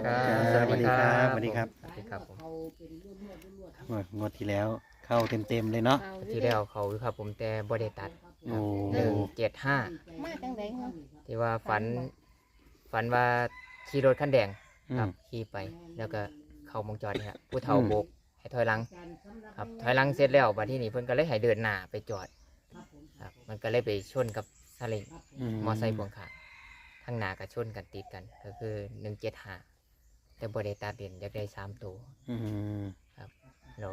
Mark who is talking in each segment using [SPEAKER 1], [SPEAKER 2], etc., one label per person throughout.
[SPEAKER 1] ครับสวัสดีครับสวัสดีครับสวัสดีครับผม
[SPEAKER 2] งวดที่แล้วเข้าเต็มเลยเนาะ
[SPEAKER 1] ที่แล้วเขาครับผมแต่บริตัด
[SPEAKER 2] โอ้
[SPEAKER 1] 175
[SPEAKER 3] มาจังไดเนาะ
[SPEAKER 1] ที่ว่าฝัน
[SPEAKER 3] บ่
[SPEAKER 1] ฝันว่าขี่รถคันแดง
[SPEAKER 2] อื
[SPEAKER 1] ครั
[SPEAKER 2] ม
[SPEAKER 1] บขี่ไปแล้วก็เข้าวงจรนี่ครับผู้เฒ่าโบกให้ถอยหลังครับถอยหลังเสร็จแล้วบัดที่นี่เพิ่นก็เลยให้เดินหน้าไปจอดครับมันก็เลยไปชนกับซาเล้งมอไซค์พ่วงข้างข้างหน้าก็ชนกันติดกันก็คือ175แต่บริตัดเด่นอยากได้3ตัว
[SPEAKER 2] อืม
[SPEAKER 1] แล้ว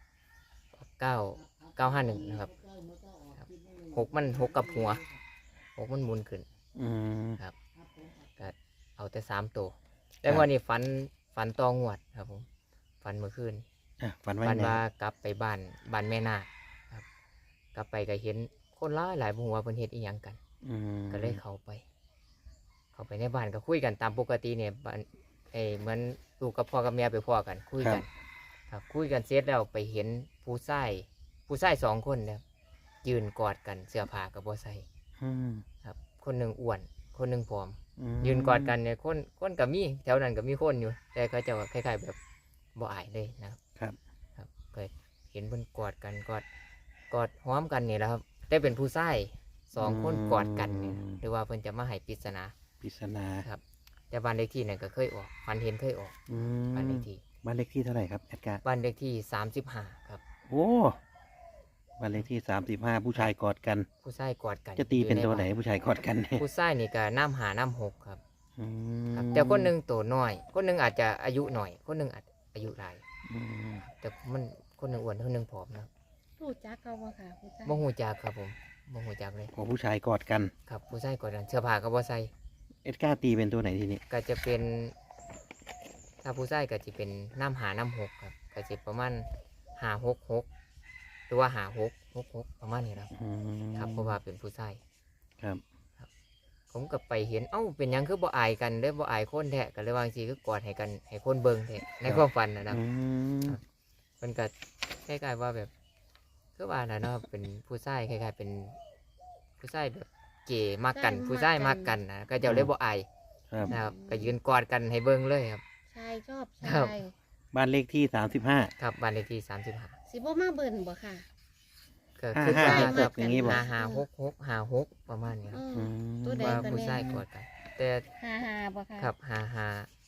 [SPEAKER 1] 951นะครับหกกับหัวหกมันหมุนขึ้น
[SPEAKER 2] อืม
[SPEAKER 1] ก็เอาแต่3ตัวแต่วันนี้ฝันตองวดครับผมฝันเมื่อคืน
[SPEAKER 2] ฝันไว้
[SPEAKER 1] ฝัน
[SPEAKER 2] ไหน
[SPEAKER 1] ว่ากลับไปบ้านแม่นาคครับกลับไปก็เห็นคนหลายบ่ฮู้ว่าเพิ่นเฮ็ดอีหยังกัน
[SPEAKER 2] อืม
[SPEAKER 1] ก็เลยเข้าไปในบ้านก็คุยกันตามปกติเนี่ยบ้านเหมือนลูกกับพ่อกับแม่ไปพ่อกันคุยกันครับคุยกันเสร็จแล้วไปเห็นผู้ชาย2 คนเนี่ยยืนกอดกันเสื้อผ้ากับบ่ใส่
[SPEAKER 2] อืม
[SPEAKER 1] ครับคนหนึ่งอ้วนคนหนึ่งผอม
[SPEAKER 2] อืม
[SPEAKER 1] ยืนกอดกันเนี่ยคนกับมีแถวนั้นกับมีคนอยู่ แต่เขาจะคล้ายๆแบบบ่อายเลยนะครับ ครับก็เห็นเพิ่นกอดกันกอดหอมกันนี่แหละครับได้เป็นผู้ชาย2 คนกอดกันเนี่ยหรือว่าเพิ่นจะมาให้ปริศนา
[SPEAKER 2] ปริศนา
[SPEAKER 1] ครับแต่บ้านเลขที่เนี่ยก็เคยออกฝันเห็นเคยออก
[SPEAKER 2] อื
[SPEAKER 1] บ้านเล
[SPEAKER 2] ม
[SPEAKER 1] ขที่
[SPEAKER 2] บ้านเลขที่เท่าไหร่ครับแอดการ์
[SPEAKER 1] บ้านเลขที่35ครับ
[SPEAKER 2] โอ้บ้านเลขที่35ผู้ชายกอดกัน
[SPEAKER 1] ผู้ชายกอดกัน
[SPEAKER 2] จะตีเป็น
[SPEAKER 1] อยู่
[SPEAKER 2] ตัว
[SPEAKER 1] ใบ้า
[SPEAKER 2] ไหนผู้ชายกอดกันเนี่ย
[SPEAKER 1] ผู้ชายนี่ก็น้ำหาน้ำหกครับ
[SPEAKER 2] อื
[SPEAKER 1] ครับ
[SPEAKER 2] ม
[SPEAKER 1] แต่คนหนึ่งตัวน้อย คนหนึ่งอาจจะอายุหน่อย คนหนึ่งอาจอายุหลาย
[SPEAKER 2] อืม
[SPEAKER 1] แต่มันคนหนึ่งอ้วนคนหนึ่งผอมนะ
[SPEAKER 3] รู้จักเขาบ่ค่ะผู้ชาย
[SPEAKER 1] บ่หูจักครับผมบ่หูจักเลย
[SPEAKER 2] โอ้ผู้ชายกอดกัน
[SPEAKER 1] ครับผู้ชายกอดกันเสื้อผ้าก็บ่ใส่
[SPEAKER 2] แอดการ์ตีเป็นตัวไหนทีนี้
[SPEAKER 1] ก็จะเป็นถ้าผู้ชายก็จะเป็นน้ำหาน้ำหกครับก็จะประมาณ566หรือว่า5666ประมาณนี้ครับ
[SPEAKER 2] อืม
[SPEAKER 1] ครับเพราะว่าเป็นผู้ชาย
[SPEAKER 2] ครับ
[SPEAKER 1] ผมก็ไปเห็นเอ้าเป็นหยังคือบ่อายกันเด้อบ่อายคนแท้ก็เลยว่าจังซี่คือกอดให้กันให้คนเบิ่งแท้ในความฝันนะครับ
[SPEAKER 2] อืม
[SPEAKER 1] มันก็คล้ายๆว่าแบบคือว่าน่ะเนาะเป็นผู้ชายคล้ายๆเป็นผู้ชายแบบเก๋มากกันผู้ชายมากกันนะก็เจะเลยบ่อาย
[SPEAKER 2] ครับ
[SPEAKER 1] นะครับก็ยืนกอดกันให้เบิ่งเลยครับ
[SPEAKER 3] ชายชอบ
[SPEAKER 1] ครั
[SPEAKER 3] ชา
[SPEAKER 1] บ
[SPEAKER 3] ย
[SPEAKER 2] บ้านเลขที่35
[SPEAKER 1] ครับบ้านเลขที่35
[SPEAKER 3] สิบ่มาเบิ่นบ่ค่ะ
[SPEAKER 1] ก็คือว่า
[SPEAKER 2] 55
[SPEAKER 1] ครับ
[SPEAKER 2] อย่างนี้บ่
[SPEAKER 1] 56ประมาณนี้ครับ
[SPEAKER 3] อื
[SPEAKER 2] อื
[SPEAKER 3] ม
[SPEAKER 2] ม
[SPEAKER 3] ตัวใด
[SPEAKER 1] ว่า
[SPEAKER 3] ก็
[SPEAKER 1] ผู้
[SPEAKER 3] แน่
[SPEAKER 1] ชายกอดกัน แต่
[SPEAKER 3] 55บ่ค่ะ
[SPEAKER 1] ครับ
[SPEAKER 3] 55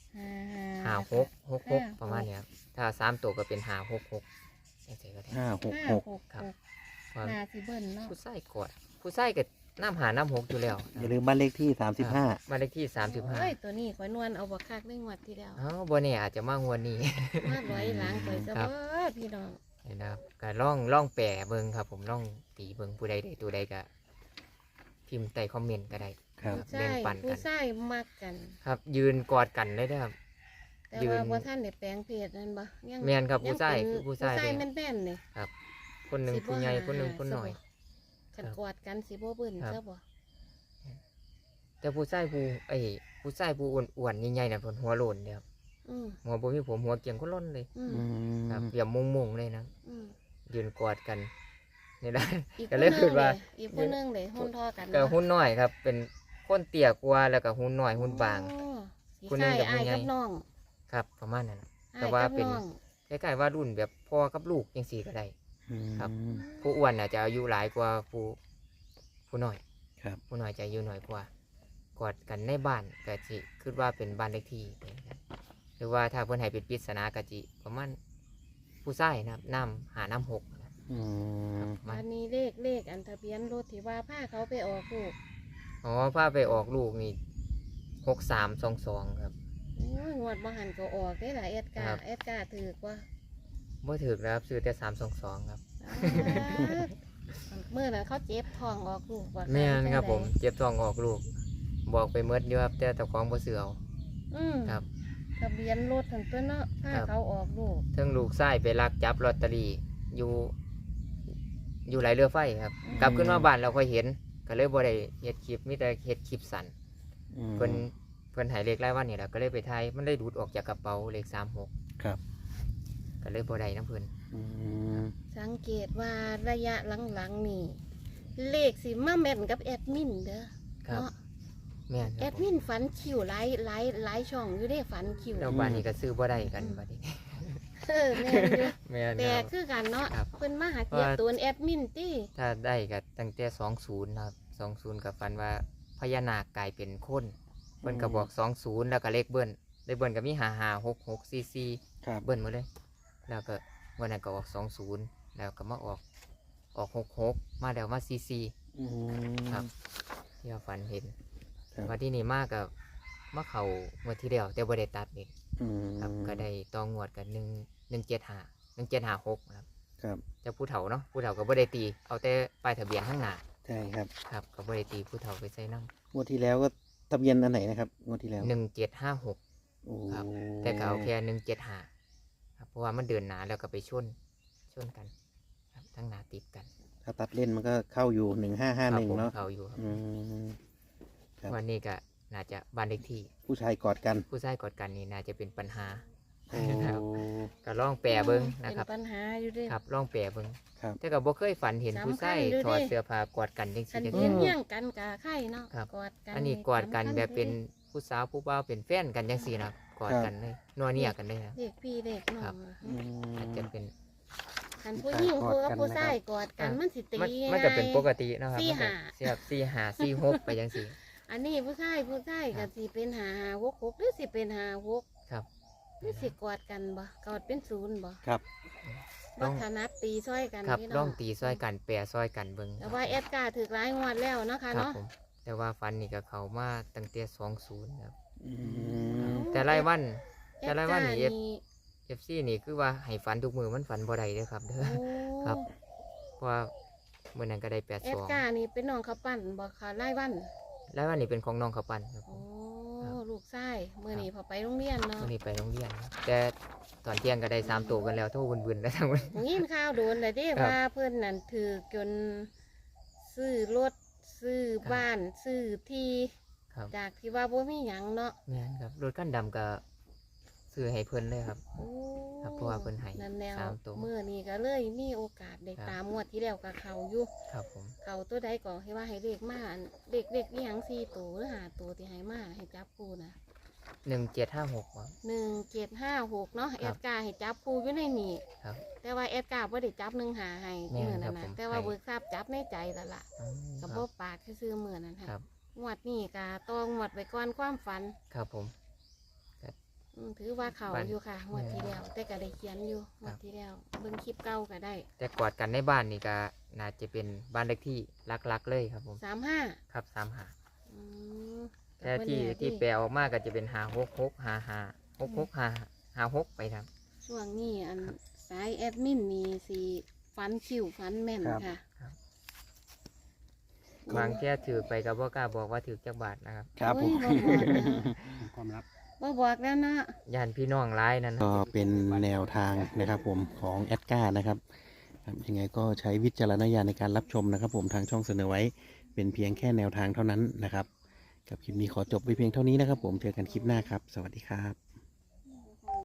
[SPEAKER 1] 56ประมาณนี้ครับถ้า3ตัวก็เป็น566จังซี่ก็ได้
[SPEAKER 2] 566
[SPEAKER 1] ครับ
[SPEAKER 3] 566
[SPEAKER 1] ว่า
[SPEAKER 3] น่าสิเบิ่นเนาะ
[SPEAKER 1] ผู้ชายกอดผู้ชายก็น้ำหาน้ำหกอยู่แล้ว
[SPEAKER 2] อย่าลืมบ้านเลขที่35
[SPEAKER 1] บ้านเลขที่
[SPEAKER 3] โอ้ยตัวนี้ข่อยนวลเอาบ่คักได้งวดที่แล้ว
[SPEAKER 1] 35บ่แน่อาจจะมางวดนี้
[SPEAKER 3] มาร้อยหลังข่อยซะ
[SPEAKER 1] ครับ
[SPEAKER 3] เบิดพี่น้อง
[SPEAKER 1] นี่นะครับก็ล่องแปรเบิ่งครับ ผมล่องตีเบิ่งผู้ใดได้ตัวใดก็พิมพ์ใต้คอมเมนต์ก็ได้
[SPEAKER 2] ครับ
[SPEAKER 3] ผู้
[SPEAKER 1] แบ่
[SPEAKER 3] ชาง ย
[SPEAKER 1] ปันกัน
[SPEAKER 3] ผู้ชายมักกัน
[SPEAKER 1] ครับ ยืนกอดกันเลยนะครับ
[SPEAKER 3] แต่
[SPEAKER 1] ยื
[SPEAKER 3] ว่าน บ่ทันได้แปลงเพศนั่นบ่ยัง
[SPEAKER 1] แม่นครับผู้ชาย
[SPEAKER 3] งเป็น
[SPEAKER 1] คือผู้ชาย
[SPEAKER 3] ผู้ชาย
[SPEAKER 1] เลย
[SPEAKER 3] แม่นๆนี่
[SPEAKER 1] คนหนึ่ง
[SPEAKER 3] สิบ่
[SPEAKER 1] ผู้ใหญ่
[SPEAKER 3] หา
[SPEAKER 1] คนหนึ่งคนหน่อย
[SPEAKER 3] คันกอดกันสิบ่เบิ่น
[SPEAKER 1] ครับ
[SPEAKER 3] ซะบ่
[SPEAKER 1] แต่ผู้ชายผู้อ้วนๆใหญ่ๆน่ะเพิ่นหัวโลนเด้อครับ
[SPEAKER 3] อืม
[SPEAKER 1] หัวบ่มีผมหัวเกียงคนล้นเลย
[SPEAKER 3] อืม
[SPEAKER 2] อืม
[SPEAKER 1] ครับเปี่ยมมุงๆเลยนะ
[SPEAKER 3] อืม
[SPEAKER 1] ยืนกอดกันนี่นะ
[SPEAKER 3] อีก
[SPEAKER 1] ก็
[SPEAKER 3] คน
[SPEAKER 1] เลย
[SPEAKER 3] นึ
[SPEAKER 1] คิด
[SPEAKER 3] ง
[SPEAKER 1] ว่า
[SPEAKER 3] อีกคนนึงเลยหุ่นทอกัน
[SPEAKER 1] ก็หุ่นน้อยครับ เป็นคนเตี้ยกว่าแล้วก็หุ่นน้อยหุ่นบาง
[SPEAKER 3] อ๋อสิ
[SPEAKER 1] คนหนึ่งกับ
[SPEAKER 3] อ้าย
[SPEAKER 1] คนใหญ่
[SPEAKER 3] กับน้อง
[SPEAKER 1] ครับ ประมาณนั้นน่ะ แต่
[SPEAKER 3] อ้ย
[SPEAKER 1] ว่า
[SPEAKER 3] กับ
[SPEAKER 1] เป็น
[SPEAKER 3] อง
[SPEAKER 1] คล้ายๆว่ารุ่นแบบพ่อกับลูกจังซี่ก็ได้ ครับ
[SPEAKER 2] อืม
[SPEAKER 1] ผู้อ้วนน่ะจะอายุหลายกว่าผู้น้อย
[SPEAKER 2] ครับ
[SPEAKER 1] ผู้น้อยจะอายุน้อยกว่ากอดกันในบ้านก็สิคิดว่าเป็นบ้านเลขที่นะครับหรือว่าถ้าเพิ่นให้เป็นปริศนาก็สิประมาณผู้ชายนะครับน้ำหกนะ
[SPEAKER 2] อืม
[SPEAKER 1] ประมา
[SPEAKER 3] อั
[SPEAKER 1] ณ
[SPEAKER 3] นนี้เลขอันทะเบียนรถที่ว่าพาเขาไปออกลูก
[SPEAKER 1] อ๋อพาไปออกลูกนี่6322ครับ
[SPEAKER 3] โอ้ยงวดบ่หันก็ออกได้หลายเอ็ดกา
[SPEAKER 1] ครับ
[SPEAKER 3] เอ็ดกาถือกว่า
[SPEAKER 1] บ่ถึกนะครับซื้อแต่322ครับ
[SPEAKER 3] เมื่อนั้นเขาเจ็บท้องออกลูกว่า
[SPEAKER 1] แม่นครับผมเจ็บท้องออกลูก บอกไปเมดอยู่ครับแต่เจ้าของบ่ซื้อเอา
[SPEAKER 3] อืม
[SPEAKER 1] ครับ
[SPEAKER 3] ทะเบียนรถทั้งตัวเนาะพา
[SPEAKER 1] ครับ
[SPEAKER 3] เขาออกลูก
[SPEAKER 1] เทั้งลูกชายไปลักจับลอตเตอรี่อยู่ไหลเรือไฟครับ กลับขึ้นมาบ้านเราค่อยเห็น ก็เลยบ่ได้เฮ็ดคลิปมีแต่เฮ็ดคลิปสั้น
[SPEAKER 2] อืม
[SPEAKER 1] เพิ่นให้เลขรายวันนี่แหละก็เลยไปถ่ายมันได้ดูดออกจากกระเป๋าเลข36
[SPEAKER 2] ครับ
[SPEAKER 1] ก็เลยบ่ได้น้ำเพิ่น
[SPEAKER 2] อืม
[SPEAKER 3] สังเกตว่าระยะหลังๆนี่เลขสิมาแม่นกับแอดมินเด้อ
[SPEAKER 1] ครับ
[SPEAKER 3] เนาะ
[SPEAKER 1] แม่นค
[SPEAKER 3] แอ
[SPEAKER 1] รับ
[SPEAKER 3] ดมินฝันคิวหลายช่องอยู่ได้ฝันคิว
[SPEAKER 1] แล้วบ้านนี้ก็ซื้อบ่ได้กันบัดนี้
[SPEAKER 3] แม่นอยู่
[SPEAKER 1] แม่น
[SPEAKER 3] แต่
[SPEAKER 1] ครับ
[SPEAKER 3] คือกันเนาะ
[SPEAKER 1] ครับ
[SPEAKER 3] เพิ่นมาหาเกียรติตัวแอดมินติ
[SPEAKER 1] ถ้าได้ก็ตั้งแต่20ครับ20กับฟันว่าพญานาคกลายเป็นคนเพิ่นก็บอก20แล้วก็เลขเบิ้ลเลขเบิ้ลก็มี556644
[SPEAKER 2] ครับ
[SPEAKER 1] เบิ้ลหมดเลย แล้วก็วันนั้นก็ออก20แล้วก็มาออก66มาแล้วมา44
[SPEAKER 2] อืม
[SPEAKER 1] ครับ ที่ว่าฝันเห็น
[SPEAKER 2] ครับ
[SPEAKER 1] ว่าที่นี่มากกับมาเขางวดที่เดียวแต่บ่ได้ตัดนี่
[SPEAKER 2] อืม
[SPEAKER 1] ครับก็ได้ต้องงวดกัน1756ครับ
[SPEAKER 2] ครับ
[SPEAKER 1] เจะผู้เฒ่าเนาะผู้เฒ่าก็บ่ได้ตีเอาแต่ป้ายทะเบียนข้างหน้า
[SPEAKER 2] ใช่ครับ
[SPEAKER 1] ครับก็บ่ได้ตีผู้เฒ่าไปใส่น้
[SPEAKER 2] งวดที่แล้วก็ทะเบียนอันไหนนะครับงวดที่แล้ว
[SPEAKER 1] ำ1756
[SPEAKER 2] โอ้
[SPEAKER 1] ครับ แต่ก็เอาแค่175ครับเพราะว่ามันเดินหนาแล้วก็ไปชนกันครับทั้งหนาติดกัน
[SPEAKER 2] ถ้าตัดเล่นมันก็เข้าอยู่
[SPEAKER 1] ครับ
[SPEAKER 2] 1551
[SPEAKER 1] ผม
[SPEAKER 2] เนาะ
[SPEAKER 1] เขาอยู่ครับ
[SPEAKER 2] อืม ครับ
[SPEAKER 1] วันนี้ก็น่าจะบ้านเลขที่
[SPEAKER 2] ผู้ชายกอดกัน
[SPEAKER 1] ผู้ชายกอดกันนี่น่าจะเป็นปัญหา
[SPEAKER 2] โอ้
[SPEAKER 1] ครับก็ลองแปรเบิ้งนะครับ
[SPEAKER 3] เป็นปัญหาอยู่เด้
[SPEAKER 1] ครับลองแปรเบิ้ง
[SPEAKER 2] ครับ
[SPEAKER 1] แต่ก็บ่เคยฝันเห็น
[SPEAKER 3] สำคัญ
[SPEAKER 1] ผู้ชาย
[SPEAKER 3] อยู่
[SPEAKER 1] ถอด
[SPEAKER 3] เด้
[SPEAKER 1] เสื้อผ้ากอดกันจัง
[SPEAKER 3] คัน
[SPEAKER 1] ซี่
[SPEAKER 3] เฮี้ยง
[SPEAKER 1] เด้
[SPEAKER 3] เฮี้ยงกันกะไข่เนาะ
[SPEAKER 1] ครับ
[SPEAKER 3] กอดกัน
[SPEAKER 1] อันนี้กอดกัน
[SPEAKER 3] สำคัญ
[SPEAKER 1] แบบเป็น
[SPEAKER 3] อยู่ด้
[SPEAKER 1] ผู้สาวผู้บ่าวเป็นแฟนกันจังซี่นะครับกอดกันเลยนัวเนียกันเลยครับ
[SPEAKER 3] เด็กพี่เด็กน้อ
[SPEAKER 1] ครั
[SPEAKER 3] ง
[SPEAKER 1] บ
[SPEAKER 2] อืม
[SPEAKER 1] อาจจะเป็น
[SPEAKER 3] คันผู้หญิง
[SPEAKER 2] กอ
[SPEAKER 3] ผู้
[SPEAKER 2] ดกั
[SPEAKER 3] กับ
[SPEAKER 2] น
[SPEAKER 3] ผู้
[SPEAKER 2] นะครับ
[SPEAKER 3] ชายกอดกันมันสิตี
[SPEAKER 1] มันก็เป็นปก
[SPEAKER 3] ติ
[SPEAKER 1] ติเนาะครับ
[SPEAKER 3] สี่
[SPEAKER 1] มันก็
[SPEAKER 3] ห้า
[SPEAKER 1] เสียบ4 5 4 6ไปจังซี่
[SPEAKER 3] อันนี้ผู้ชาย
[SPEAKER 1] ครั
[SPEAKER 3] ก็
[SPEAKER 1] บ
[SPEAKER 3] สิเป็น5 6 6หรือสิเป็น5 6
[SPEAKER 1] ครับ
[SPEAKER 3] หรือสิกอดกันบ่กอดเป็น0บ่
[SPEAKER 2] ครับ
[SPEAKER 1] ต้
[SPEAKER 3] บ่
[SPEAKER 1] อง
[SPEAKER 3] ถนัดตีซ้อยกัน
[SPEAKER 1] ครับ
[SPEAKER 3] พี่
[SPEAKER 1] ล
[SPEAKER 3] น้
[SPEAKER 1] องตีซอยกันแปรซอยกันเบิ่ง
[SPEAKER 3] แต่ว่าแอดการ์ถือหลายงวดแล้วเนาะค่ะ
[SPEAKER 1] ครับ
[SPEAKER 3] เนาะ
[SPEAKER 1] ผมแต่ว่าฟันนี่ก็เข้ามาตั้งแต่20ครับ
[SPEAKER 2] อืม
[SPEAKER 1] แต่รายวัน
[SPEAKER 3] แอ
[SPEAKER 1] แต่
[SPEAKER 3] ด
[SPEAKER 1] ราย
[SPEAKER 3] กา
[SPEAKER 1] วัน
[SPEAKER 3] ร์
[SPEAKER 1] นี่
[SPEAKER 3] นี่
[SPEAKER 1] FC นี่คือว่าให้ฝันทุกมือมันฝันบ่ได้เด้อครับเด้อ
[SPEAKER 3] โอ้
[SPEAKER 1] ครับ เพราะว่ามื้อนั้นก็ได้
[SPEAKER 3] แอดการ์นี่เป็นน้องเขาปั้นบ่ค่ะรายวัน
[SPEAKER 1] 82แล้ววันนี้เป็นของน้องเขาวปั้นครับผ
[SPEAKER 3] โอ้
[SPEAKER 1] ม ครับ
[SPEAKER 3] ลูกชายมื้อนี้พอไปโรงเรียนเนาะ
[SPEAKER 1] มื้อนี้ไปโรงเรียนครับแต่ตอนเที่ยงก็ได้3ตัวกันแล้วโทรวุ่นๆแล้วทั้งวัน
[SPEAKER 3] ผมยินข่าวโดนเลยเด้
[SPEAKER 1] ครับ
[SPEAKER 3] ว่าเพื่อนนั่นถือจนซื้อรถซื้อบ้านซื้อที่
[SPEAKER 1] ครับ
[SPEAKER 3] จากที่ว่าบ่มีหยังเนาะ
[SPEAKER 1] แม่นครับรถคันดำก็ซื้อให้เพิ่นเลยครับ
[SPEAKER 3] โอ้
[SPEAKER 1] ครับเพราะว่าเพิ่นให้
[SPEAKER 3] นั่นแนว
[SPEAKER 1] สามตัว
[SPEAKER 3] มื้อนี้ก็เลยมีโอกาสได้
[SPEAKER 1] ครับ
[SPEAKER 3] ตามงวดที่แล้วกับเขาอยู่
[SPEAKER 1] ครับผม
[SPEAKER 3] เขาตัวใดก็ให้ว่าให้เลขมาอันเด็กอีหยัง4ตัวหรือ5ตัวที่ให้มาให้จับคู่นะ
[SPEAKER 1] 1756ครับ
[SPEAKER 3] 1756เนาะ
[SPEAKER 1] ครับ
[SPEAKER 3] แอดการ์ให้จับคู่อยู่ในนี้
[SPEAKER 1] ครับ
[SPEAKER 3] แต่ว่าแอดการ์บ่ได้จับ1หาให้
[SPEAKER 1] แม่น
[SPEAKER 3] มื้อ
[SPEAKER 1] ครั
[SPEAKER 3] นั้
[SPEAKER 1] บ
[SPEAKER 3] น
[SPEAKER 1] ผ
[SPEAKER 3] น่ะ
[SPEAKER 1] ม
[SPEAKER 3] แต่ว่า
[SPEAKER 1] ให้
[SPEAKER 3] เบิกทราบจับในใจแล้วล่ะ
[SPEAKER 1] อืม
[SPEAKER 3] กับ
[SPEAKER 1] ค
[SPEAKER 3] บ่
[SPEAKER 1] รับ
[SPEAKER 3] ปากซื่อๆมื้อนั้น
[SPEAKER 1] ครั
[SPEAKER 3] ค่ะ
[SPEAKER 1] บ
[SPEAKER 3] งวดนี้กะต้องงวดไว้ก่อนความฝัน
[SPEAKER 1] ครับผม
[SPEAKER 3] ถือว่าเขา
[SPEAKER 1] ฝัน
[SPEAKER 3] อยู่ค่ะงวดที่แล้วแต่ก็ได้เขียนอยู่งวดที่แล้วเบิ่งคลิปเก่าก็ได้
[SPEAKER 1] แต่กอดกันในบ้านนี่ก็น่าจะเป็นบ้านเลขที่รักๆเลยครับผม
[SPEAKER 3] 35
[SPEAKER 1] ครับ35
[SPEAKER 3] อืม
[SPEAKER 1] แต่ที่แปลออกมาก็จะเป็น5665566ไปครับ
[SPEAKER 3] ช่วงนี้อันสายแอดมินนี่สิฝันคิวฝันแม่น
[SPEAKER 2] ครับ
[SPEAKER 3] ค่ะ
[SPEAKER 1] บางแค่ถือไปก็บ่กล้าบอกว่าถือจักบาทนะครับ
[SPEAKER 2] ครับผม
[SPEAKER 3] โอ้ยบ่บอกนะ
[SPEAKER 2] ความลับ
[SPEAKER 3] บ่บอกแล้วเนาะ
[SPEAKER 1] ย่านพี่น้องร้ายนั่นนะ
[SPEAKER 2] ก็เป็นแนวทางนะครับผมของแอดการ์นะครับครับยังไงก็ใช้วิจารณญาณในการรับชมนะครับ ผมทางช่องเสนอไว้เป็นเพียงแค่แนวทางเท่านั้นนะครับกับคลิปนี้ขอจบไว้เพียงเท่านี้นะครับ ผมเจอกันคลิปหน้าครับ สวัสดีครับ